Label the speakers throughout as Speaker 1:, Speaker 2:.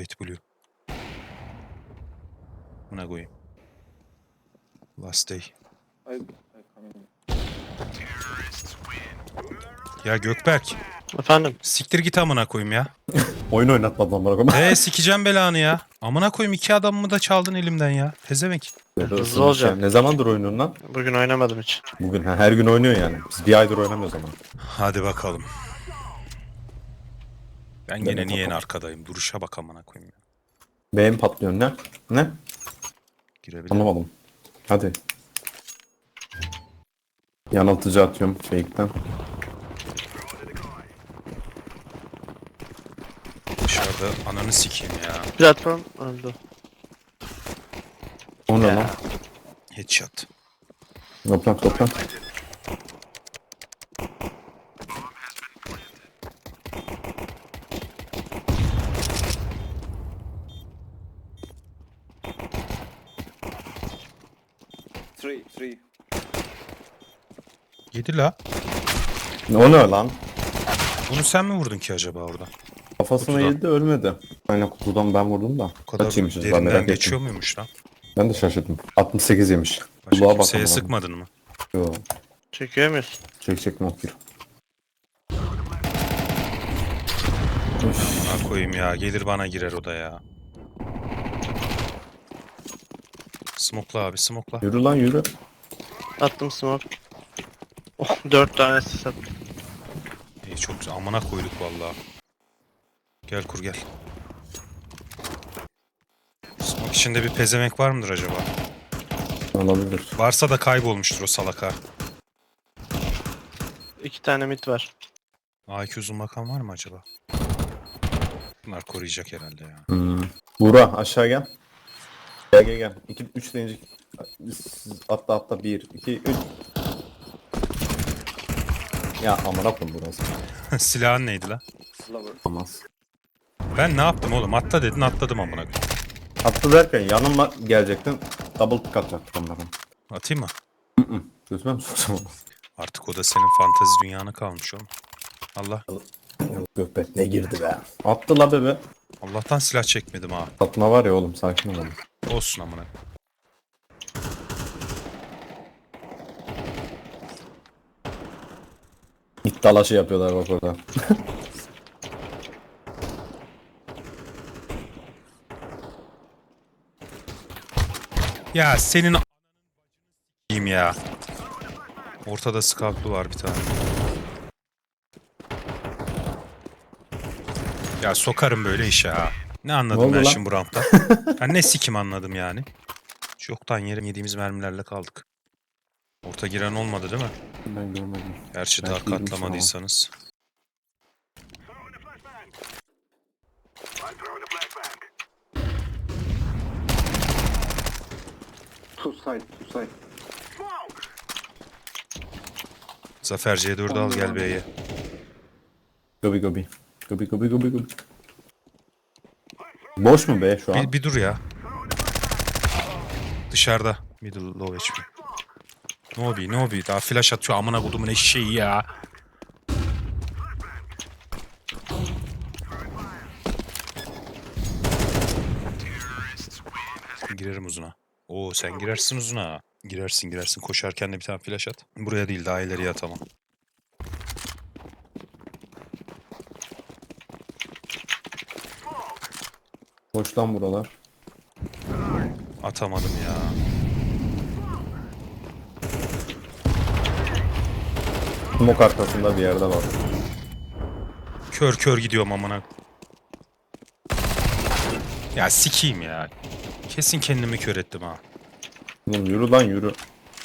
Speaker 1: wait blue. Buna koyayım. Last day. Ya Gökberk.
Speaker 2: Efendim?
Speaker 1: Siktir git amına koyayım ya.
Speaker 3: Oyun oynatmadan bana.
Speaker 1: Sikeceğim belanı ya. Amına koyayım 2 adamımı da çaldın elimden ya. Pezevenk.
Speaker 2: Hızlı olacağım.
Speaker 3: Ne zamandır oynuyorsun lan?
Speaker 2: Bugün oynamadım hiç.
Speaker 3: Bugün her gün oynuyor yani. Biz bir aydır oynamıyoruz ama.
Speaker 1: Hadi bakalım. Ben
Speaker 3: Evet,
Speaker 1: gene niye en
Speaker 3: bakalım.
Speaker 1: arkadayım? Duruşa bak amına koyayım ya.
Speaker 3: Beğen patlıyor ne? Ne?
Speaker 1: Girebilir.
Speaker 3: Anlamadım. Hadi. Yanıltıcı atıyorum fake'ten.
Speaker 1: Dışarıda ananı sikeyim ya.
Speaker 2: Platform öldü.
Speaker 3: O ne lan?
Speaker 1: Headshot.
Speaker 3: Toplan.
Speaker 4: Three.
Speaker 1: Yedi la.
Speaker 3: O ne lan?
Speaker 1: Bunu sen mi vurdun ki acaba orada?
Speaker 3: Kafasına
Speaker 1: Kutudan.
Speaker 3: yedi ölmedi. Aynen kutudan ben vurdum da.
Speaker 1: O kadar
Speaker 3: Kaç yemişiz ben
Speaker 1: derinden
Speaker 3: merak
Speaker 1: geçiyor
Speaker 3: ettim.
Speaker 1: muymuş lan?
Speaker 3: Ben de şaşırdım. 68 yemiş.
Speaker 1: Başka
Speaker 3: Kulağa
Speaker 1: kimseye
Speaker 3: bakamadım.
Speaker 1: sıkmadın mı?
Speaker 3: Yo.
Speaker 2: Çekiyor muyuz?
Speaker 3: Çek mokir.
Speaker 1: Ha koyayım ya. Gelir bana girer o da ya. Smokla abi smokla.
Speaker 3: Yürü lan yürü.
Speaker 2: Attım smoke. Oh, 4 tane sis attım.
Speaker 1: İyi çok güzel. Amına koyduk vallahi. Gel kur gel. Smoke içinde bir pezevenk var mıdır acaba?
Speaker 3: Olabilir.
Speaker 1: Varsa da kaybolmuştur o salak ha.
Speaker 2: 2 tane mid var.
Speaker 1: AQ uzun bakan var mı acaba? Bunlar koruyacak herhalde ya.
Speaker 3: Buğra aşağı gel. Gel. 2 3 deyince atla 1 2 3. Ya amına koyayım burası.
Speaker 1: Silahın neydi lan?
Speaker 4: Flower.
Speaker 3: Olmaz.
Speaker 1: Ben ne yaptım oğlum? Atla dedin atladım amına koyayım.
Speaker 3: Atla derken yanıma gelecektin. Double pick atacaktık onların.
Speaker 1: Atayım mı?
Speaker 3: Gözüme mi soksam onu?
Speaker 1: Artık o da senin fantezi dünyana kalmış oğlum. Allah.
Speaker 3: Gökbek ne girdi be. Attı la bebe.
Speaker 1: Allah'tan silah çekmedim ha.
Speaker 3: Atma var ya oğlum sakin ol.
Speaker 1: Olsun amına.
Speaker 3: İt dalaşı yapıyorlar bak orada.
Speaker 1: Ya senin a**ayım ya. Ortada scoutlu var bir tane. Ya sokarım böyle işe ha. Ne
Speaker 3: Ne
Speaker 1: anladım
Speaker 3: oldu
Speaker 1: ben
Speaker 3: lan?
Speaker 1: şimdi bu rampta? Ben ne sikim anladım yani. Çoktan yediğimiz mermilerle kaldık. Orta giren olmadı değil mi?
Speaker 3: Ben görmedim.
Speaker 1: Gerçi
Speaker 3: Belki
Speaker 1: daha
Speaker 3: girmiş
Speaker 1: katlamadıysanız.
Speaker 4: Two side.
Speaker 1: Zafer C4'ü al gel B'ye.
Speaker 3: Gobi. Boş mu be şu an?
Speaker 1: Bir dur ya. Dışarıda. Middle low HP. Nobi. Daha flash atıyor amına kodumun eşeği ya. Girerim uzuna. Oo sen girersin uzuna. Girersin. Koşarken de bir tane flash at. Buraya değil daha ileriye atamam.
Speaker 3: Boş lan buralar.
Speaker 1: Atamadım ya.
Speaker 3: Smoke arkasında bir yerde var.
Speaker 1: Kör gidiyorum amına. Ya sikeyim ya. Kesin kendimi kör ettim ha.
Speaker 3: Oğlum yürü lan yürü.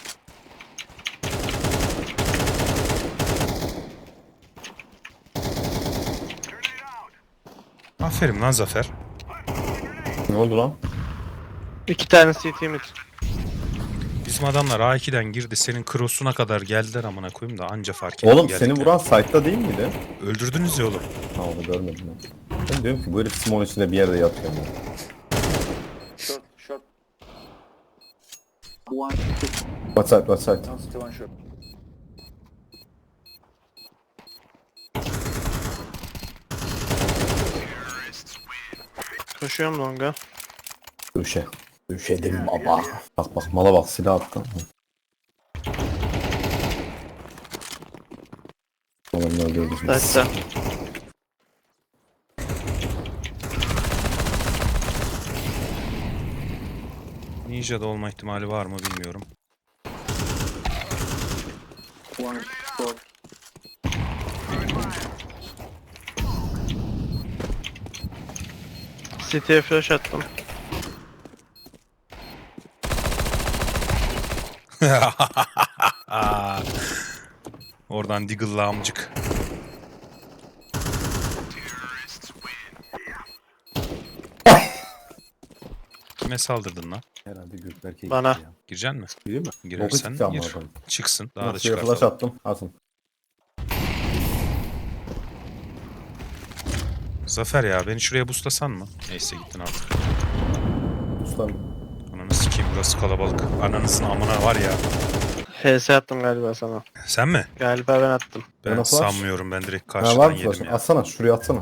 Speaker 1: Aferin lan Zafer.
Speaker 3: Ne oldu lan?
Speaker 2: 2 tane CT mid.
Speaker 1: Bizim adamlar A2'den girdi. Senin cross'una kadar geldiler amına koyayım da anca fark ettim.
Speaker 3: Oğlum seni
Speaker 1: geldiklerini.
Speaker 3: vuran site'da değil miydi?
Speaker 1: Öldürdünüz ya oğlum.
Speaker 3: Ha onu görmedim ben. Ben diyorum ki bu herif smoke'un içinde bir yerde yatıyor. Ya.
Speaker 4: Short. One.
Speaker 3: What side?
Speaker 4: One city, one short.
Speaker 2: Koşuyorum longa.
Speaker 3: Döşe. Döşedim baba. Bak bak mala bak silah attı. Oğlum ne öldürdük biz.
Speaker 2: Hatta.
Speaker 1: Ninja'da olma ihtimali var mı bilmiyorum.
Speaker 4: One short.
Speaker 2: City'ye flash attım.
Speaker 1: Oradan Deagle'la amcık. Kime saldırdın lan?
Speaker 3: Herhalde Gökberk'e
Speaker 2: Bana.
Speaker 3: gitti ya.
Speaker 1: Gireceksin mi?
Speaker 3: Değil mi?
Speaker 1: Girersen
Speaker 3: Boku çıktı
Speaker 1: gir.
Speaker 3: amına koyayım.
Speaker 1: Çıksın. Daha da
Speaker 3: Nasıl flash
Speaker 1: çıkartalım.
Speaker 3: attım. Atın.
Speaker 1: Zafer ya beni şuraya buslasan mı? Neyse gittin artık.
Speaker 3: Ustam.
Speaker 1: Ananı sikeyim burası kalabalık. Ananızın amına var ya.
Speaker 2: HS attım galiba sana.
Speaker 1: Sen mi?
Speaker 2: Galiba ben attım.
Speaker 1: Ben
Speaker 3: Bana flash.
Speaker 1: sanmıyorum ben direkt
Speaker 3: Ha, var
Speaker 1: karşıdan
Speaker 3: mı
Speaker 1: yedim
Speaker 3: flash'ın?
Speaker 1: ya.
Speaker 3: Atsana şuraya atsana.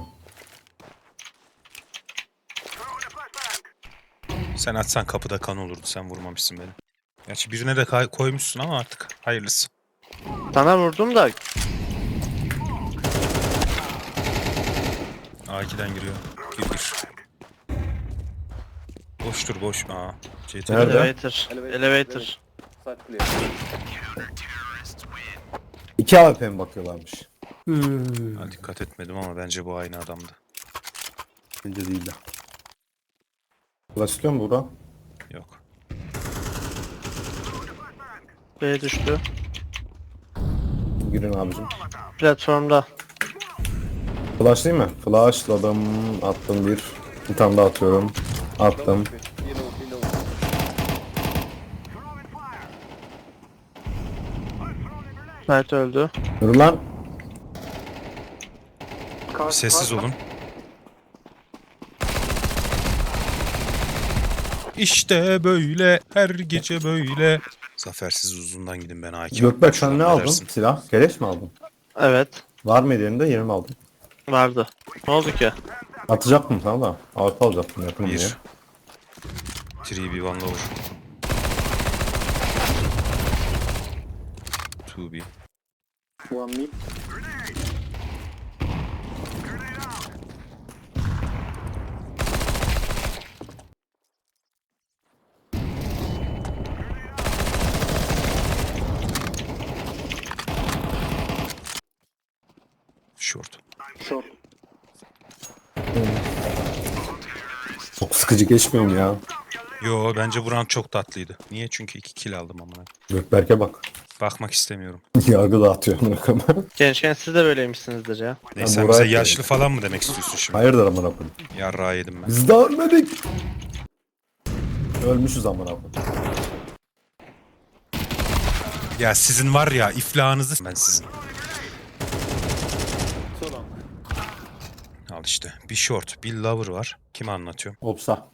Speaker 1: Sen atsan kapıda kan olurdu sen vurmamışsın beni. Gerçi birine de koymuşsun ama artık hayırlısı.
Speaker 2: Sana vurdum da
Speaker 1: A2'den giriyor. Gir. Boştur boş. Aa. CT.
Speaker 3: Nerede?
Speaker 2: elevator. Elevator.
Speaker 4: Side clear.
Speaker 3: 2 AWP mi bakıyorlarmış?
Speaker 1: Ha, dikkat etmedim ama bence bu aynı adamdı.
Speaker 3: Bence değil de. Flash istiyor mu Buğra?
Speaker 1: Yok.
Speaker 2: B düştü.
Speaker 3: Girin abicim.
Speaker 2: Platformda.
Speaker 3: Flash değil mi? Flashladım. Attım bir. Bir tane daha atıyorum. Attım.
Speaker 4: Below.
Speaker 2: Mert öldü.
Speaker 3: Yürü lan.
Speaker 1: Sessiz olun. İşte böyle her gece böyle. Zafersiz uzundan gidin ben A2.
Speaker 3: Gökberk sen ne aldın?
Speaker 1: dersin?
Speaker 3: Silah. Keleş mi aldın?
Speaker 2: Evet.
Speaker 3: Var mı elinde? Yeni mi aldın?
Speaker 2: Vardı. Ne oldu ki?
Speaker 3: Atacaktım sana da. AWP alacaktım yakın diye.
Speaker 1: 1. 3B 1 lower. 2B.
Speaker 4: One mid.
Speaker 1: Short.
Speaker 4: Short.
Speaker 3: Çok sıkıcı geçmiyor mu ya?
Speaker 1: Yo bence bu round çok tatlıydı. Niye? Çünkü 2 kill aldım amına.
Speaker 3: Gökberk'e bak.
Speaker 1: Bakmak istemiyorum.
Speaker 3: Yargı dağıtıyor.
Speaker 2: Gençken siz de böyleymişsinizdir ya.
Speaker 1: Neyse sen
Speaker 3: Burak
Speaker 1: bize
Speaker 3: da
Speaker 1: yaşlı falan mı demek istiyorsun şimdi?
Speaker 3: Hayırdır amına koyayım.
Speaker 1: Yarrağı yedim ben.
Speaker 3: Biz de ölmedik. Ölmüşüz amına koyayım.
Speaker 1: Ya sizin var ya iflahınızı ben sizin.
Speaker 4: So long.
Speaker 1: Al işte. Bir short, bir lover var. Kime anlatıyorum?
Speaker 3: Opsa.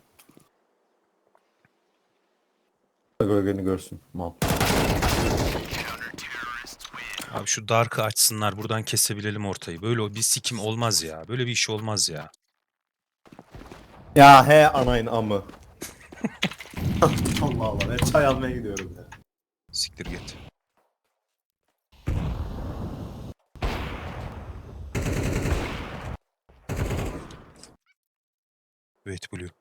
Speaker 3: Gölgeni görsün. Mal.
Speaker 1: Abi şu dark'ı açsınlar. Buradan kesebilelim ortayı. Böyle bir sikim olmaz ya. Böyle bir iş olmaz ya.
Speaker 3: Ya he anayın amı. Allah Allah ben çay almaya gidiyorum ya.
Speaker 1: Siktir git. Wait blue.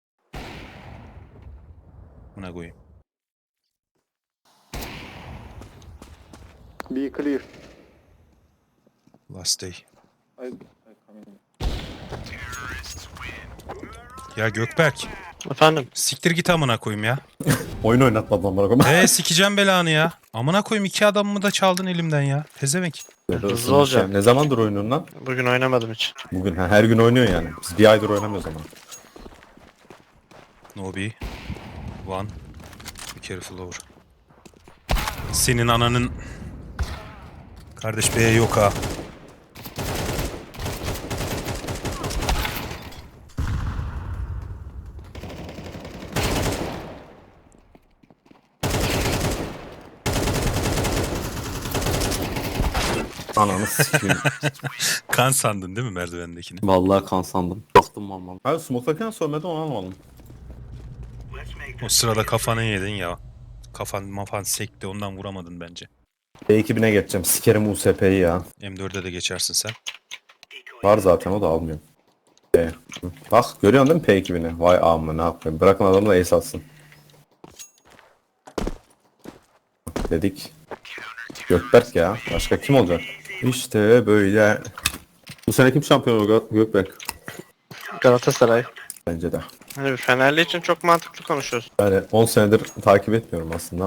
Speaker 1: Buna koyayım.
Speaker 4: Be clear.
Speaker 1: Last day.
Speaker 4: I come in.
Speaker 1: Ya Gökberk.
Speaker 2: Efendim?
Speaker 1: Siktir git amına koyayım ya.
Speaker 3: Oyun oynatmadım amına koyayım.
Speaker 1: Sikeceğim belanı ya. Amına koyayım 2 adamımı da çaldın elimden ya. Pezevenk.
Speaker 2: Hızlı olacağım.
Speaker 3: Ne zamandır oynuyorsun lan?
Speaker 2: Bugün oynamadım hiç.
Speaker 3: Bugün her gün oynuyor yani. Biz bir aydır oynamıyoruz ama.
Speaker 1: No B. One. Be careful over. Senin ananın... Kardeş B yok ha.
Speaker 3: Ananı sikeyim.
Speaker 1: Kan sandın değil mi merdivendekini?
Speaker 3: Vallahi kan sandım. Çok bastım vallahi. Hayır smoke'larken söylemedi onu anlamadım.
Speaker 1: O sırada kafanı yedin ya. Kafan sekti ondan vuramadın bence.
Speaker 3: P2000'e geçeceğim. Sikerim USP'yi ya.
Speaker 1: M4'e de geçersin sen.
Speaker 3: Var zaten o da almıyorum. Bak görüyorsun değil mi P2000'i? Vay amma ne yapayım. Bırakın adamı da ace atsın. Dedik. Gökberk ya. Başka kim olacak? İşte böyle. Bu sene kim şampiyon olacak Gökberk?
Speaker 2: Galatasaray.
Speaker 3: Bence de.
Speaker 2: Hani Fenerli için çok mantıklı konuşuyorsun.
Speaker 3: Yani 10 senedir takip etmiyorum aslında.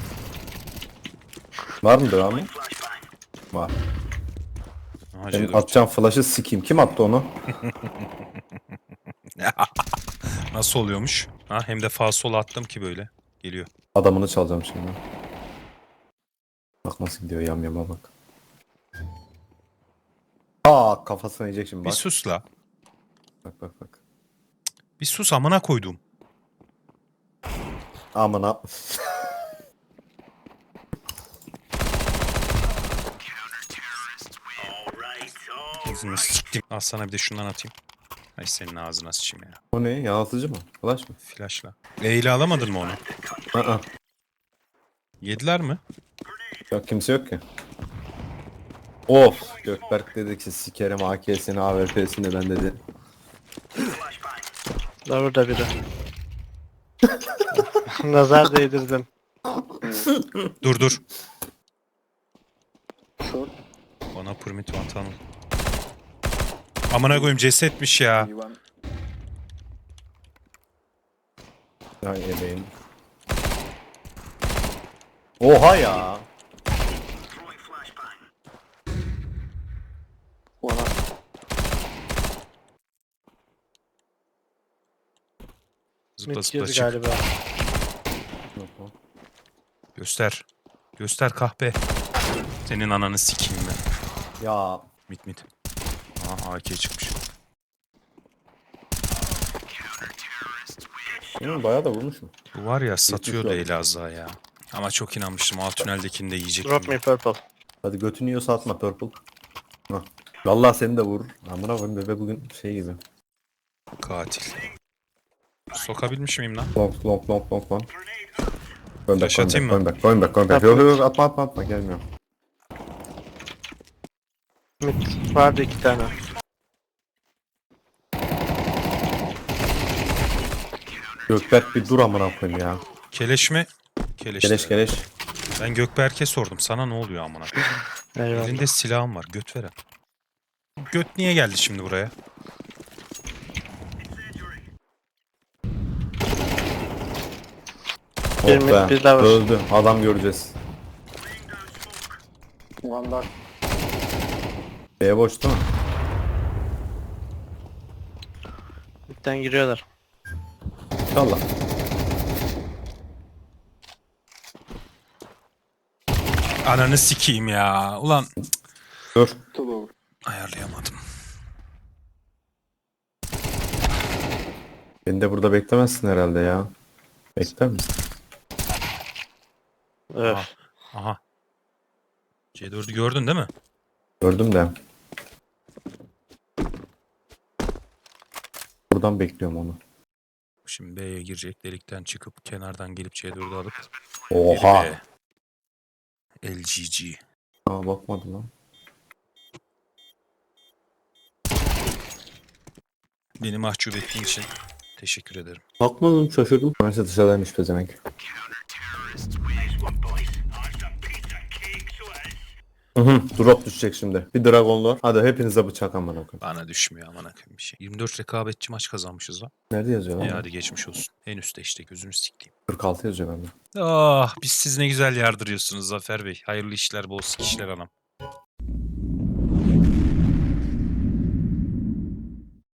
Speaker 3: Var mı devamı? Var.
Speaker 1: Aha,
Speaker 3: Senin
Speaker 1: C4.
Speaker 3: atacağım flash'ı sikeyim. Kim attı onu?
Speaker 1: Nasıl oluyormuş? Ha, hem de sağ sola attım ki böyle. Geliyor.
Speaker 3: Adamını çalacağım şimdi. Bak nasıl gidiyor yama bak. Aa kafasına yiyecek şimdi
Speaker 1: Bir
Speaker 3: bak.
Speaker 1: sus la.
Speaker 3: Bak.
Speaker 1: Bir sus amına koydum.
Speaker 3: Amına.
Speaker 1: Ağzını siktim. Al sana bir de şundan atayım. Ay senin ağzına sıçayım ya.
Speaker 3: O ne? Yanıltıcı mı? Flash mı?
Speaker 1: Flashla. Eyle alamadın mı onu?
Speaker 3: Aa.
Speaker 1: Yediler mi?
Speaker 3: Yok kimse yok ki. Of. Gökberk dedi ki sikerim AK'sini AWP'sini ben dedi.
Speaker 2: Da burada biri. Nazar değdirdin.
Speaker 1: Dur.
Speaker 4: Short.
Speaker 1: Bana permit vatanım. Amına koyayım cesetmiş ya.
Speaker 4: B1.
Speaker 3: Ay ebeğim. Oha ya.
Speaker 4: One up.
Speaker 1: Zıpla
Speaker 2: Mid
Speaker 1: zıpla
Speaker 2: girdi
Speaker 1: çık.
Speaker 2: galiba.
Speaker 1: Göster. Göster kahpe. Senin ananı sikeyim ben.
Speaker 3: Ya.
Speaker 1: Mit. Aha AK çıkmış.
Speaker 3: Bayağı da vurmuş mu?
Speaker 1: Bu var ya satıyordu
Speaker 3: Yetmiş
Speaker 1: Elazığ'a ya. Ama çok inanmıştım. Alt tüneldekini de yiyecektim.
Speaker 2: Drop me purple.
Speaker 3: Hadi götünü yiyorsa atma purple. Hah. Vallahi seni de vurur. Amına koyayım bebe bugün şey gibi.
Speaker 1: Katil. Sokabilmiş miyim lan?
Speaker 3: Long.
Speaker 1: Flash atayım mı?
Speaker 3: Going back. Yok atma gelmiyor.
Speaker 2: Mid vardı 2 tane.
Speaker 3: Gökberk bir dur amına koyayım ya.
Speaker 1: Keleş mi? Keleş.
Speaker 3: Keleş.
Speaker 1: Ben Gökberk'e sordum. Sana ne oluyor amına?
Speaker 2: Eyvallah.
Speaker 1: Elinde silahım var. Göt veren. Göt niye geldi şimdi buraya?
Speaker 2: Bir
Speaker 3: Oh
Speaker 2: mid,
Speaker 3: be.
Speaker 2: bir daha var.
Speaker 3: Öldü. Adam göreceğiz.
Speaker 4: One dark.
Speaker 3: B boş değil mi?
Speaker 2: Midden giriyorlar.
Speaker 3: İnşallah.
Speaker 1: Ananı sikeyim ya. Ulan
Speaker 3: Dur.
Speaker 4: Two lower.
Speaker 1: ayarlayamadım.
Speaker 3: Beni de burada beklemezsin herhalde ya. Bekler misin?
Speaker 2: Öf.
Speaker 1: Aha. C4'ü gördün değil mi?
Speaker 3: Gördüm de. Buradan bekliyorum onu.
Speaker 1: Şimdi B'ye girecek. Delikten çıkıp kenardan gelip C4'ü alıp
Speaker 3: Oha.
Speaker 1: geri B. LGG.
Speaker 3: Aa bakmadım lan.
Speaker 1: Beni mahcup ettiğin için teşekkür ederim.
Speaker 3: Bakmadım şaşırdım. Neyse dışarıdaymış pezevenk. Drop düşecek şimdi. Bir Dragonlord. Hadi hepinize bıçak amına koyayım.
Speaker 1: Bana düşmüyor amına koyayım bir şey. 24 rekabetçi maç kazanmışız lan.
Speaker 3: Nerede yazıyor lan?
Speaker 1: İyi hadi geçmiş olsun. En üstte işte gözünü sikeyim.
Speaker 3: 46 yazıyor bende.
Speaker 1: Ah biz siz ne güzel yardırıyorsunuz Zafer Bey. Hayırlı işler, bol sikişler anam.